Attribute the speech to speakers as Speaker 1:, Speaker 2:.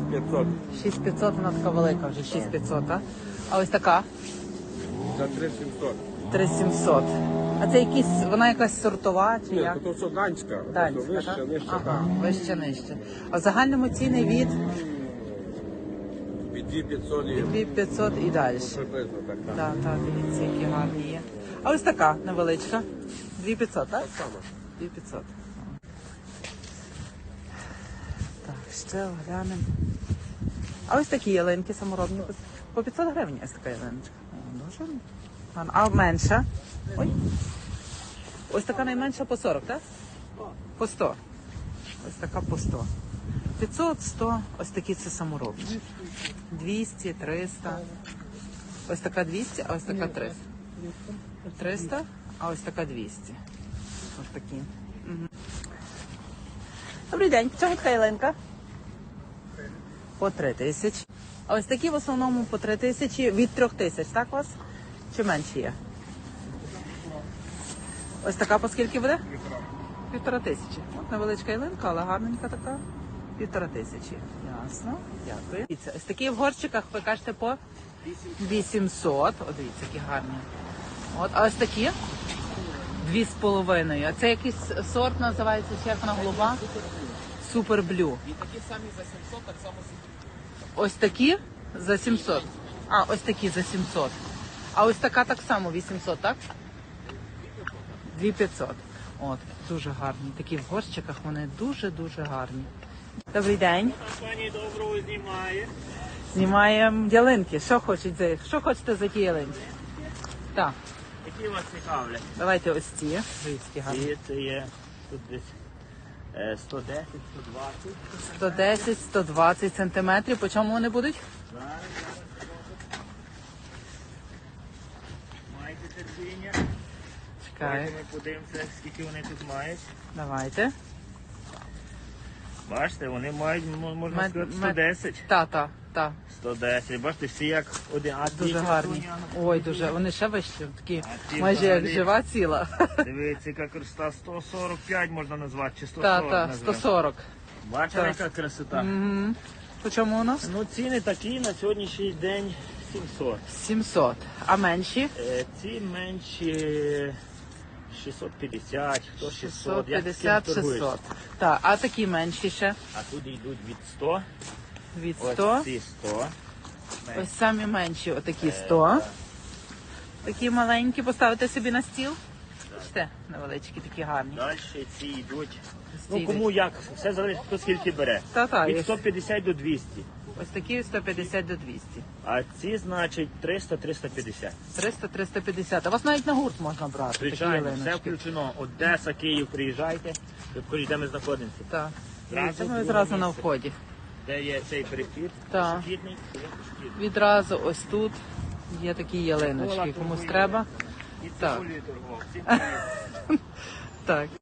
Speaker 1: 6500.
Speaker 2: 6500, вона така велика вже, 6500, так? А ось така?
Speaker 1: За 3700.
Speaker 2: 3700. А це якісь, вона якась сортова чи
Speaker 1: Ні,
Speaker 2: як?
Speaker 1: то все данська.
Speaker 2: Данська,
Speaker 1: То вище,
Speaker 2: так?
Speaker 1: нижче,
Speaker 2: Ага,
Speaker 1: так.
Speaker 2: вище, нижче. А в загальному ціни від
Speaker 1: Від 2500 і
Speaker 2: 2500 і далі.
Speaker 1: приблизно так. Так.
Speaker 2: Так, так, дивіться, які гарні є. А ось така невеличка. 2500, так?
Speaker 1: Так само.
Speaker 2: 2500. Так, ще оглянемо. А ось такі ялинки саморобні. По 500 гривень ось така ялиночка. О, дуже гарно. А менша? Ой. Ось така найменша по 40, так? По 100. Ось така по 100. 500, 100. Ось такі це саморобні. 200, 300. Ось така 200, а ось така 300. 300, а ось така 200. Ось такі. Угу. Добрий день. Чому така ялинка? По 3000. А ось такі в основному по 3000, від 3000, так у вас? Чи менше є? Ось така по скільки буде? 1500. От невеличка ялинка, але гарненька така. 1500. Ясно. Дякую. Дивіться, ось такі в горщиках ви кажете по 800. О, дивіться, які гарні. От, а ось такі? 2,5. А це якийсь сорт називається, чи як вона голуба? Супер блю.
Speaker 3: І такі самі за 700, так само
Speaker 2: Ось такі за 700. А, ось такі за 700. А ось така так само 800, так? 2500. От, дуже гарні. Такі в горщиках вони дуже-дуже гарні. Добрий день.
Speaker 3: пані доброго знімає.
Speaker 2: Знімаємо ялинки. Що хочете за ті ялинки? Так,
Speaker 3: Які вас цікавлять?
Speaker 2: давайте ось ці. Дивіться, які гарні.
Speaker 3: І це є тут десь 110, 120.
Speaker 2: 110, 120 сантиметрів. По чому вони будуть?
Speaker 3: Зараз. Маєте терпіння.
Speaker 2: Чекаю.
Speaker 3: Давайте ми подивимося, скільки вони тут мають.
Speaker 2: Давайте.
Speaker 3: Бачите, вони мають, можна сказати, 110.
Speaker 2: Та.
Speaker 3: 110. Бачите, всі як один. А ті
Speaker 2: Дуже гарні.
Speaker 3: красуня,
Speaker 2: Ой, дуже. Вони ще вищі, такі
Speaker 3: А ті
Speaker 2: майже як
Speaker 3: взагалі?
Speaker 2: жива ціла.
Speaker 3: Дивіться, яка красота, 145 можна назвати, чи 140
Speaker 2: Та,
Speaker 3: назвати.
Speaker 2: 140.
Speaker 3: Бачите,
Speaker 2: Так.
Speaker 3: яка красота?
Speaker 2: Угу. По чому у нас?
Speaker 3: Ну, ціни такі на сьогоднішній день 700.
Speaker 2: 700. А менші?
Speaker 3: Ці менші 650, хто 600, як з ким
Speaker 2: 650,
Speaker 3: торгуєш.
Speaker 2: 600. Так, а такі менші ще?
Speaker 3: А тут йдуть від 100,
Speaker 2: Від 100.
Speaker 3: ось ці 100.
Speaker 2: Ось самі менші, отакі 100. Такі маленькі, поставити собі на стіл. Бачите, невеличкі, такі гарні.
Speaker 3: Далі ці йдуть,
Speaker 2: Ці
Speaker 3: ну кому як, все залежить, хто скільки бере.
Speaker 2: Та,
Speaker 3: Від
Speaker 2: є.
Speaker 3: 150 до 200.
Speaker 2: Ось такі 150 до 200.
Speaker 3: А ці, значить, 300-350.
Speaker 2: 300-350. А вас навіть на гурт можна брати.
Speaker 3: Звичайно,
Speaker 2: такі
Speaker 3: все
Speaker 2: ялиночки.
Speaker 3: включено. Одеса, Київ, приїжджайте, ви покажіть, де ми знаходимося.
Speaker 2: Так.
Speaker 3: Зразу
Speaker 2: Це ми
Speaker 3: друге
Speaker 2: зразу на
Speaker 3: місце.
Speaker 2: вході.
Speaker 3: Де є цей перехід,
Speaker 2: Так.
Speaker 3: пішохідний, то є пішохідний.
Speaker 2: Відразу ось тут є такі ялиночки. Комусь треба.
Speaker 3: І
Speaker 2: Так.
Speaker 3: цибулею торгував.
Speaker 2: Так.